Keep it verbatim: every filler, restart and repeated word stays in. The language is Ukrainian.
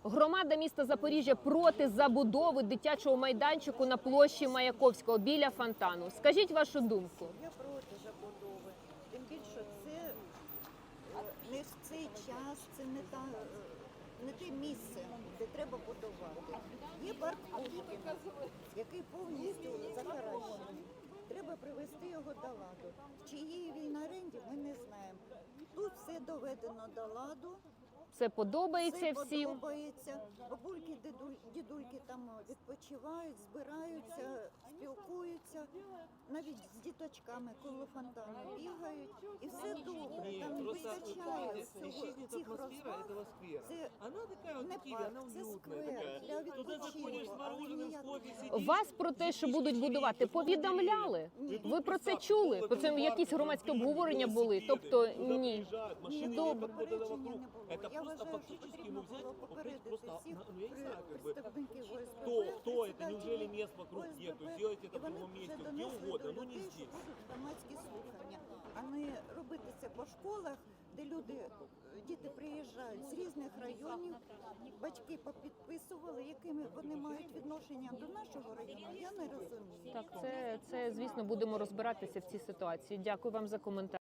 Громада міста Запоріжжя проти забудови дитячого майданчику на площі Маяковського біля фонтану. Скажіть вашу думку. Я проти забудови. Тим більше це е, не в цей час, це не та е, не те місце, де треба будувати. Є парк Пушкіна, який повністю захаращений. Треба привести його до ладу. В чиїй він оренді, ми не знаємо. Тут все доведено до ладу. Це подобається Все всім? подобається. Бабульки, дідуль- дідульки там відпочивають, збираються, спілкуються, навіть з діточками коло фонтану бігають. І все добре, Нет, там просто вистачає не всього исчезнет цих атмосфера розваг. этого сквера. Це Она такая вот не Киеве, парк, она це уютная сквер такая. для Туда заходишь с відпочинку, але мороженым, с ніяк. кофе, сидишь. Вас про те, що будуть будувати, повідомляли? Ні. Ви про це чули? Про це якісь громадські обговорення були? Тобто ні. Ні, Добре. попередження не було. Это Я просто вважаю, що фактически, потрібно ну, взять, було вот попередити просто, всіх ну, я не знаю, как бы, представників ОСББ, кто, кто это, председателів неужели мест вокруг ОСББ, нет, то сделайте і это в вони другом вже месте, где донесли угодно, до но не людей, що здесь. будуть громадські слухання, а не робити це по школах, де люди, діти приїжджають з різних районів, батьки попідписували, якими вони мають відношення до нашого району, я не розумію. Так, це, це звісно, будемо розбиратися в цій ситуації. Дякую вам за коментар.